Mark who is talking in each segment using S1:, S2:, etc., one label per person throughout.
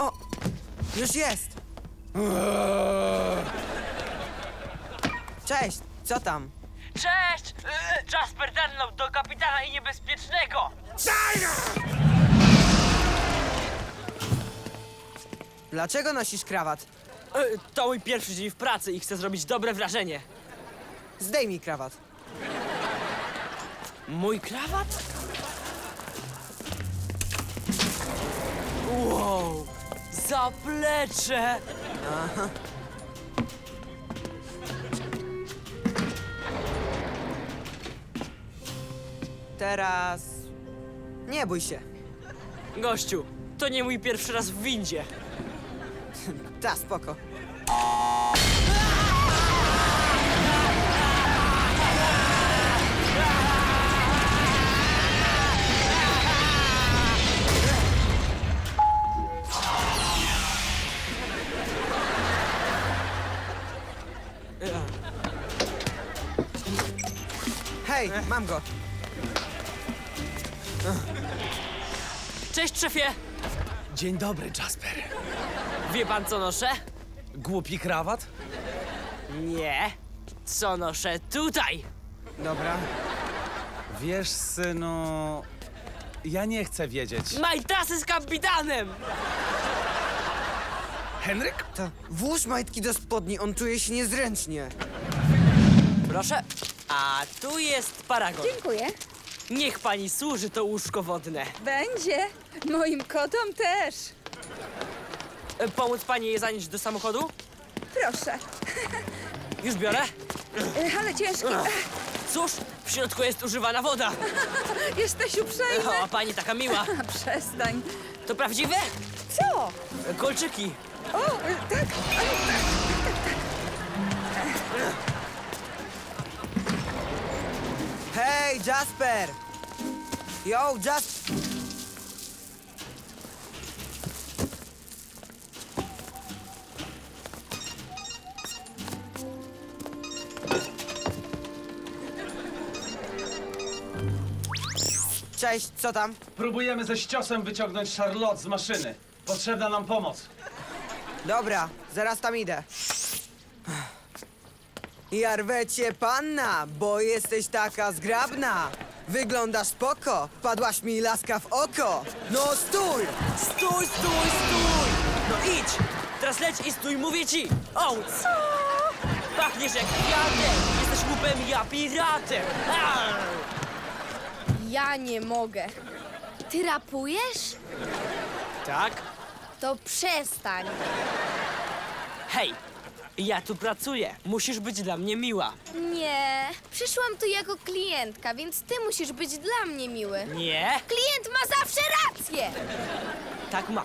S1: O! Już jest! Cześć, co tam?
S2: Cześć! Jasper Dunlop do kapitana i niebezpiecznego!
S1: Dlaczego nosisz krawat?
S2: To mój pierwszy dzień w pracy i chcę zrobić dobre wrażenie.
S1: Zdejmij krawat.
S2: Mój krawat? Wow! Zaplecze!
S1: Teraz... Nie bój się.
S2: Gościu, to nie mój pierwszy raz w windzie.
S1: Ta, spoko. Hej, mam go.
S2: Cześć, szefie!
S3: Dzień dobry, Jasper.
S2: Wie pan, co noszę?
S3: Głupi krawat?
S2: Nie. Co noszę tutaj?
S1: Dobra.
S3: Wiesz, synu... Ja nie chcę wiedzieć.
S2: Majtasy z kapitanem!
S3: Henryk?
S1: To włóż majtki do spodni, on czuje się niezręcznie.
S2: Proszę. A tu jest paragon.
S4: Dziękuję.
S2: Niech pani służy to łóżko wodne.
S4: Będzie. Moim kotom też.
S2: Pomóc pani je zanieść do samochodu?
S4: Proszę.
S2: Już biorę.
S4: Ale ciężki.
S2: Cóż, w środku jest używana woda.
S4: Jesteś uprzejmy.
S2: O, pani taka miła.
S4: Przestań.
S2: To prawdziwe?
S4: Co?
S2: Kolczyki.
S4: O, tak.
S1: Hej, Jasper! Yo, Jasper! Cześć, co tam?
S3: Próbujemy ze ściosem wyciągnąć Charlotte z maszyny. Potrzebna nam pomoc.
S1: Dobra, zaraz tam idę. Ja rwę cię, panna, bo jesteś taka zgrabna. Wyglądasz spoko, padłaś mi laska w oko. No stój!
S2: Stój, stój, stój! No idź! Teraz leć i stój, mówię ci! O, co? Pachniesz jak kwiatek! Jesteś łupem, ja piratem! Arr!
S5: Ja nie mogę. Ty rapujesz?
S2: Tak?
S5: To przestań.
S2: Hej! Ja tu pracuję. Musisz być dla mnie miła.
S5: Nie, przyszłam tu jako klientka, więc ty musisz być dla mnie miły.
S2: Nie?
S5: Klient ma zawsze rację!
S2: Tak mam.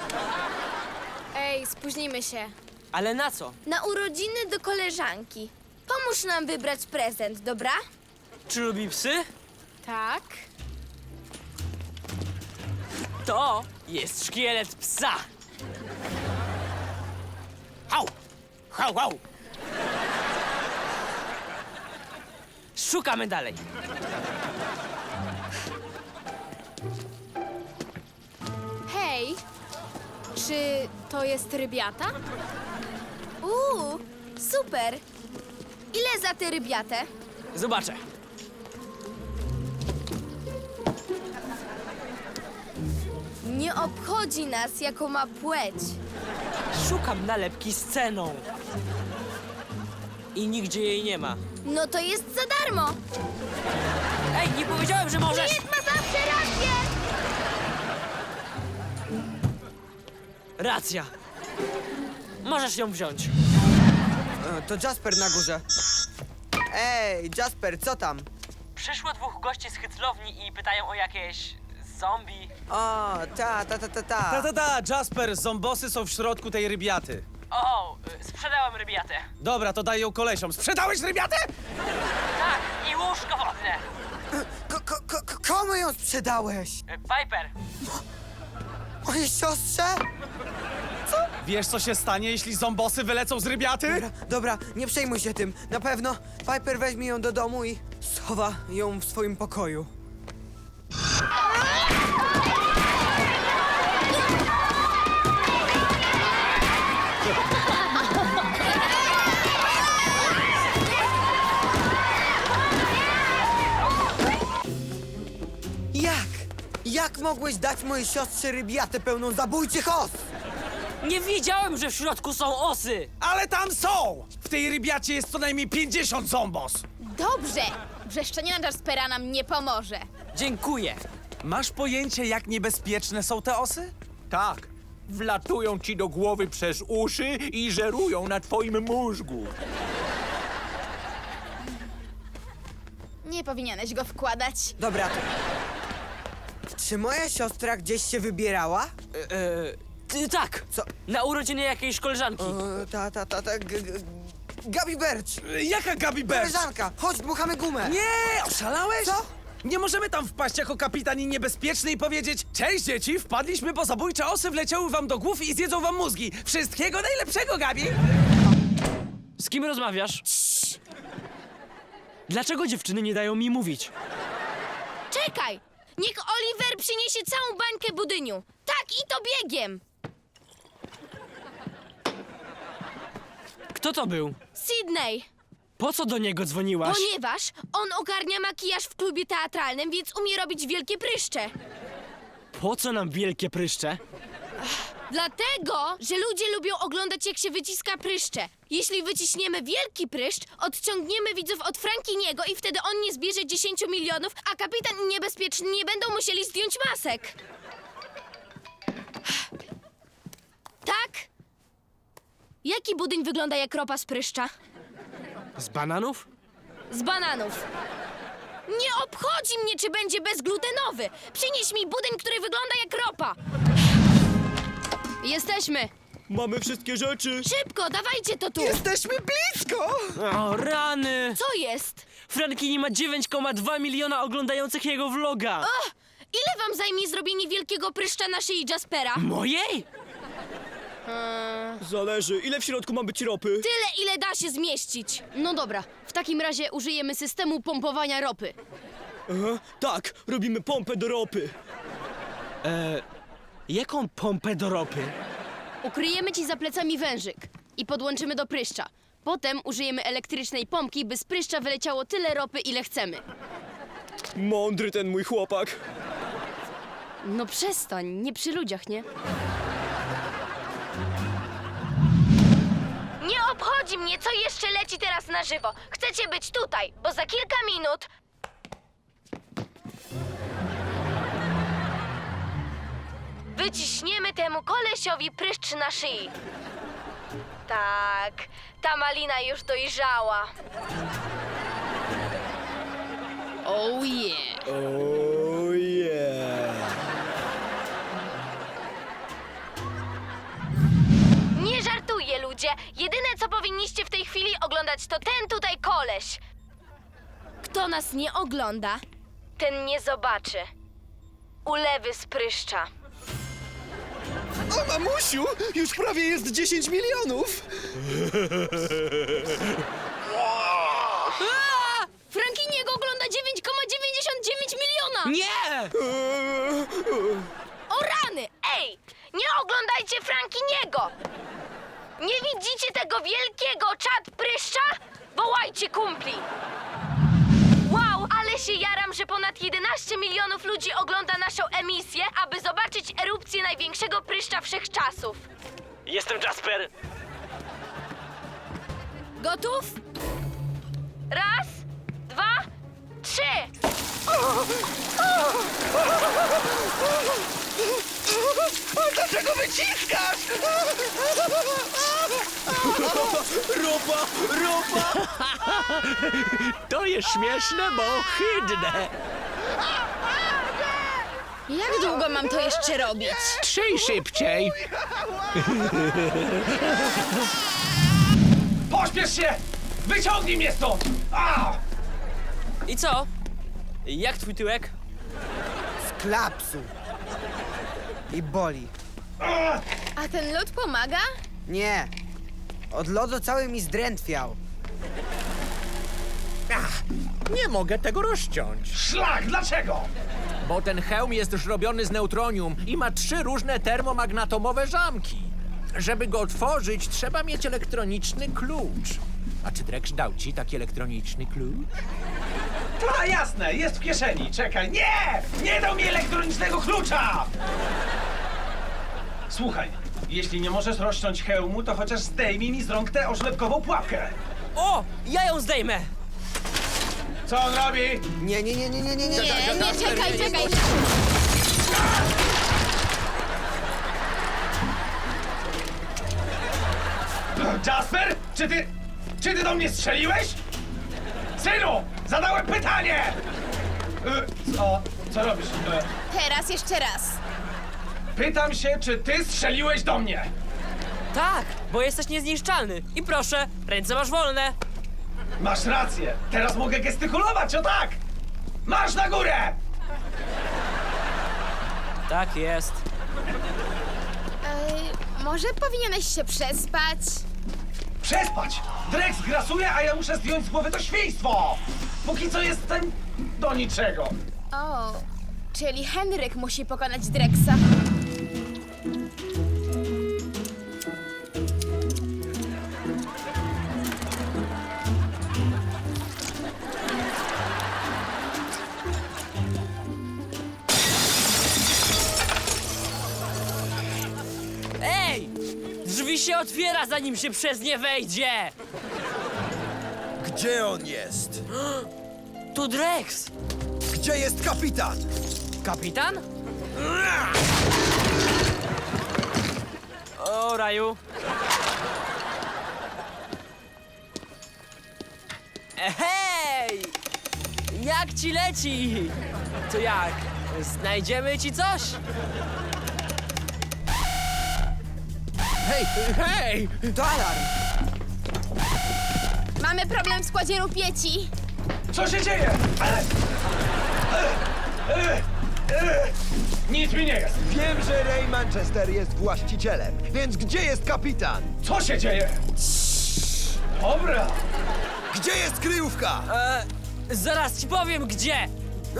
S5: Ej, spóźnimy się.
S2: Ale na co?
S5: Na urodziny do koleżanki. Pomóż nam wybrać prezent, dobra?
S2: Czy lubi psy?
S5: Tak.
S2: To jest szkielet psa. Hał! Hał, hał! Szukamy dalej.
S5: Hej, czy to jest rybiata? Super. Ile za tę rybiatę?
S2: Zobaczę.
S5: Nie obchodzi nas, jaką ma płeć.
S2: Szukam nalepki z ceną. I nigdzie jej nie ma.
S5: No to jest za darmo.
S2: Ej, nie powiedziałem, że możesz!
S5: Klient ma zawsze rację.
S2: Racja. Możesz ją wziąć.
S1: To Jasper na górze. Ej, Jasper, co tam?
S2: Przyszło dwóch gości z hyclowni i pytają o jakieś zombie.
S1: O, ta.
S3: Ta, Jasper, zombosy są w środku tej rybiaty.
S2: O, sprzedałem rybiatę.
S3: Dobra, to daj ją kolesiom. Sprzedałeś rybiatę?
S2: Tak, i łóżko wodne.
S1: Komu ją sprzedałeś?
S2: Piper,
S1: Mojej siostrze?
S3: Wiesz, co się stanie, jeśli zombosy wylecą z rybiaty?
S1: Dobra, nie przejmuj się tym. Na pewno Piper weźmie ją do domu i schowa ją w swoim pokoju. mogłeś dać mojej siostrze rybiatę pełną zabójczych os?
S2: Nie wiedziałem, że w środku są osy!
S3: Ale tam są! W tej rybiacie jest co najmniej 50 zombos!
S5: Dobrze! Wrzeszczenie na Jaspera nam nie pomoże.
S2: Dziękuję.
S3: Masz pojęcie, jak niebezpieczne są te osy?
S6: Tak, wlatują ci do głowy przez uszy i żerują na twoim mózgu.
S5: Nie powinieneś go wkładać.
S1: Dobra, to... Czy moja siostra gdzieś się wybierała?
S2: Tak!
S1: Co?
S2: Na urodziny jakiejś koleżanki.
S1: Gabi Birch!
S3: Jaka Gabi Birch?
S1: Koleżanka, chodź, dmuchamy gumę!
S3: Nie! Oszalałeś?
S1: Co?
S3: Nie możemy tam wpaść jako kapitan i niebezpieczny i powiedzieć: cześć dzieci, wpadliśmy, bo zabójcze osy wleciały wam do głów i zjedzą wam mózgi. Wszystkiego najlepszego, Gabi!
S2: Z kim rozmawiasz? Dlaczego dziewczyny nie dają mi mówić?
S5: Czekaj! Niech Oliver przyniesie całą bańkę budyniu. Tak, i to biegiem!
S2: Kto to był?
S5: Sydney!
S2: Po co do niego dzwoniłaś?
S5: Ponieważ on ogarnia makijaż w klubie teatralnym, więc umie robić wielkie pryszcze.
S2: Po co nam wielkie pryszcze?
S5: Dlatego, że ludzie lubią oglądać, jak się wyciska pryszcze. Jeśli wyciśniemy wielki pryszcz, odciągniemy widzów od Frankiniego i wtedy on nie zbierze 10 milionów, a kapitan i niebezpieczni nie będą musieli zdjąć masek. Tak? Jaki budyń wygląda jak ropa z pryszcza?
S2: Z bananów?
S5: Z bananów. Nie obchodzi mnie, czy będzie bezglutenowy. Przynieś mi budyń, który wygląda jak ropa. Jesteśmy.
S2: Mamy wszystkie rzeczy.
S5: Szybko, dawajcie to tu.
S1: Jesteśmy blisko!
S2: O, rany!
S5: Co jest?
S2: Frankini ma 9,2 miliona oglądających jego vloga.
S5: Ile wam zajmie zrobienie wielkiego pryszcza na szyi Jaspera?
S2: Mojej?
S7: Zależy, ile w środku ma być ropy?
S5: Tyle, ile da się zmieścić. No dobra, w takim razie użyjemy systemu pompowania ropy.
S7: Aha, tak, robimy pompę do ropy.
S2: Jaką pompę do ropy?
S5: Ukryjemy ci za plecami wężyk i podłączymy do pryszcza. Potem użyjemy elektrycznej pompki, by z pryszcza wyleciało tyle ropy, ile chcemy.
S7: Mądry ten mój chłopak.
S5: No przestań, nie przy ludziach, nie? Nie obchodzi mnie, co jeszcze leci teraz na żywo. Chcecie być tutaj, bo za kilka minut... Wyciśniemy temu kolesiowi pryszcz na szyi. Tak, ta malina już dojrzała. Oh yeah.
S7: Oh yeah.
S5: Nie żartuję, ludzie. Jedyne, co powinniście w tej chwili oglądać, to ten tutaj koleś. Kto nas nie ogląda, ten nie zobaczy. Ulewy z pryszcza.
S7: O mamusiu, już prawie jest 10 milionów.
S5: Frankiniego ogląda 9,99 miliona!
S2: Nie!
S5: O rany! Ej! Nie oglądajcie Frankiniego! Nie widzicie tego wielkiego czad pryszcza? Wołajcie kumpli! Wow, ale się jaram, że ponad 11 milionów ludzi ogląda naszą emisję, aby zobaczyć erupcję największego pryszcza wszechczasów.
S2: Jestem Jasper.
S5: Gotów? Raz, dwa, trzy!
S7: Dlaczego wyciskasz? Ropa, ropa.
S6: To jest śmieszne, bo ohydne.
S5: Jak długo mam to jeszcze robić?
S6: Trzyj szybciej.
S3: Pośpiesz się! Wyciągnij mnie stąd! A!
S2: I co? Jak twój tyłek?
S1: Z klapsu. I boli.
S5: A ten lód pomaga?
S1: Nie. Od lodu cały mi zdrętwiał.
S6: Nie mogę tego rozciąć,
S3: Szlak, dlaczego?
S6: bo ten hełm jest zrobiony z neutronium i ma 3 różne termomagnatomowe zamki. Żeby go otworzyć, trzeba mieć elektroniczny klucz. A czy Drex dał ci taki elektroniczny klucz?
S3: Ta, jasne, jest w kieszeni. Czekaj, nie! Nie dał mi elektronicznego klucza! Słuchaj, jeśli nie możesz rozciąć hełmu, to chociaż zdejmij mi z rąk tę oślepkową pułapkę.
S2: O, ja ją zdejmę!
S3: Co on robi?
S1: Nie.
S5: Nie, czekaj.
S3: Jasper, czy ty do mnie strzeliłeś? Synu, zadałem pytanie! Co robisz?
S5: Teraz jeszcze raz.
S3: Pytam się, czy ty strzeliłeś do mnie?
S2: Tak, bo jesteś niezniszczalny. I proszę, ręce masz wolne.
S3: Masz rację, teraz mogę gestykulować, o tak! Marsz na górę!
S2: Tak jest.
S5: Może powinieneś się przespać?
S3: Przespać! Drex grasuje, a ja muszę zdjąć z głowy to świństwo! Póki co jestem do niczego.
S5: O, czyli Henryk musi pokonać Drexa.
S2: Ej! Drzwi się otwiera, zanim się przez nie wejdzie!
S8: Gdzie on jest?
S2: Tu Drex!
S8: Gdzie jest kapitan?
S2: Kapitan? O, Raju. Hej! Jak ci leci? To jak? Znajdziemy ci coś?
S6: Hej!
S1: To alarm!
S5: Mamy problem w składzie rupieci.
S3: Co się dzieje? Nic mi nie jest.
S8: Wiem, że Ray Manchester jest właścicielem, więc gdzie jest kapitan?
S3: Co się dzieje? Dobra.
S8: Gdzie jest kryjówka?
S2: Zaraz ci powiem gdzie!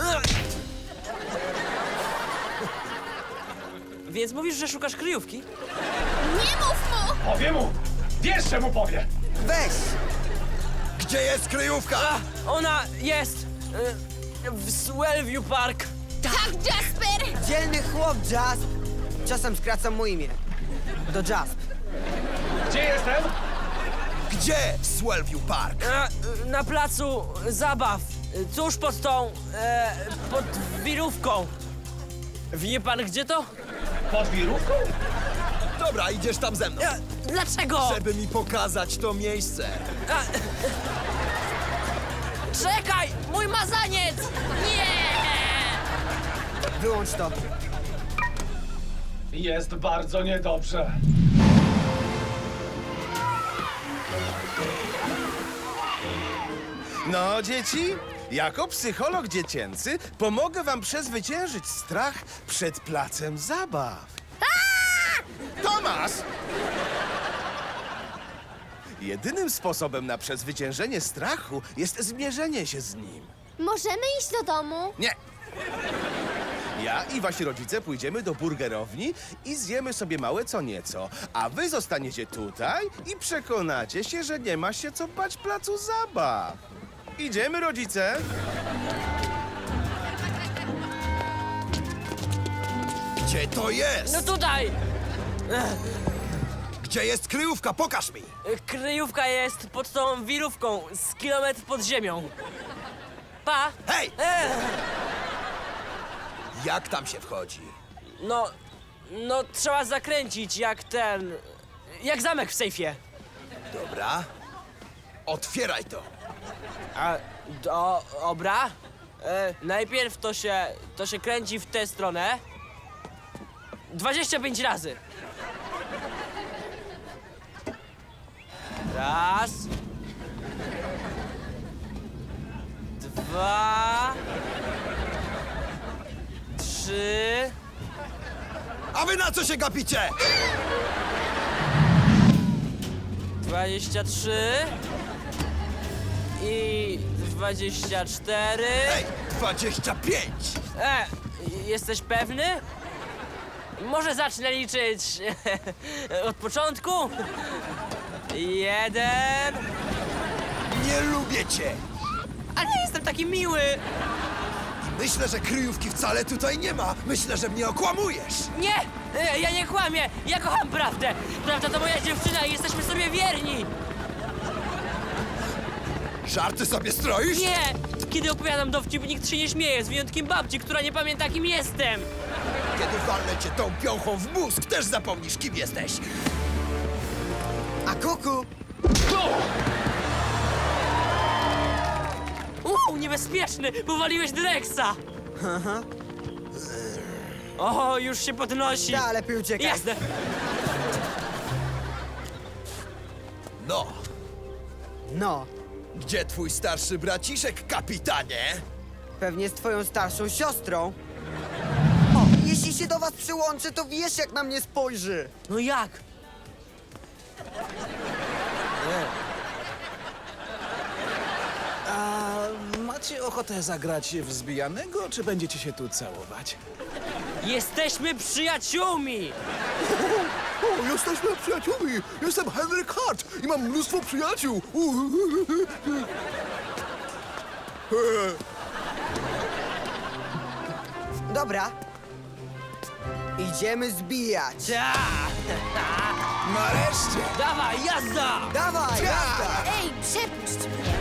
S2: Więc mówisz, że szukasz kryjówki?
S5: Nie mów mu!
S3: Powie mu. Wiesz, że mu powie.
S1: Weź!
S8: Gdzie jest kryjówka?
S2: Ona jest w Swellview Park.
S5: Tak, Jasper!
S1: Dzielny chłop, Jasp! Czasem skracam mu imię. Do Jasp.
S3: Gdzie jestem?
S8: Gdzie Swellview Park?
S2: Na placu zabaw. Tuż pod tą... pod wirówką. Wie pan gdzie to?
S3: Pod wirówką?
S8: Dobra, idziesz tam ze mną,
S2: Dlaczego?
S8: żeby mi pokazać to miejsce.
S2: Czekaj! Mój mazaniec! Nie!
S1: Wyłącz to.
S3: Jest bardzo niedobrze.
S9: No, dzieci, jako psycholog dziecięcy pomogę wam przezwyciężyć strach przed placem zabaw. Tomasz! Jedynym sposobem na przezwyciężenie strachu jest zmierzenie się z nim.
S5: Możemy iść do domu?
S9: Nie! Ja i wasi rodzice pójdziemy do burgerowni i zjemy sobie małe co nieco, a wy zostaniecie tutaj i przekonacie się, że nie ma się co bać placu zabaw. Idziemy, rodzice!
S8: Gdzie to jest?
S2: No tutaj!
S8: Gdzie jest kryjówka? Pokaż mi!
S2: Kryjówka jest pod tą wirówką z kilometr pod ziemią. Pa!
S8: Hej! Jak tam się wchodzi?
S2: No trzeba zakręcić jak ten... jak zamek w sejfie.
S8: Dobra. Otwieraj to.
S2: Dobra. Najpierw to się kręci w tę stronę. 25 razy. Raz. Dwa. Trzy.
S8: A wy na co się gapicie?
S2: 23. I 24.
S8: Ej, 25!
S2: Jesteś pewny? Może zacznę liczyć od początku? 1.
S8: Nie lubię cię!
S2: A nie jestem taki miły!
S8: Myślę, że kryjówki wcale tutaj nie ma. Myślę, że mnie okłamujesz.
S2: Nie! Ja nie kłamię! Ja kocham prawdę! Prawda to moja dziewczyna i jesteśmy sobie wierni!
S8: Żarty sobie stroisz?
S2: Nie! Kiedy opowiadam dowcip, nikt się nie śmieje, z wyjątkiem babci, która nie pamięta, kim jestem!
S8: Kiedy walnę cię tą piąchą w mózg, też zapomnisz, kim jesteś.
S1: A kuku?
S2: Niebezpieczny! Powaliłeś Drexa! O, już się podnosi!
S1: Da, lepiej uciekaj.
S2: Jasne!
S8: No,
S1: No,
S8: gdzie twój starszy braciszek, kapitanie?
S1: pewnie z twoją starszą siostrą. O, jeśli się do was przyłączy, to wiesz, jak na mnie spojrzy.
S2: No jak?
S3: A macie ochotę zagrać w zbijanego, czy będziecie się tu całować?
S2: Jesteśmy przyjaciółmi!
S8: O, jesteśmy przyjaciółmi! Jestem Henryk Hart i mam mnóstwo przyjaciół!
S1: Dobra. Idziemy zbijać.
S2: Ta!
S3: Nareszcie!
S2: Dawaj, jazda!
S1: Dawaj, jazda!
S5: Ej, przepuść mnie!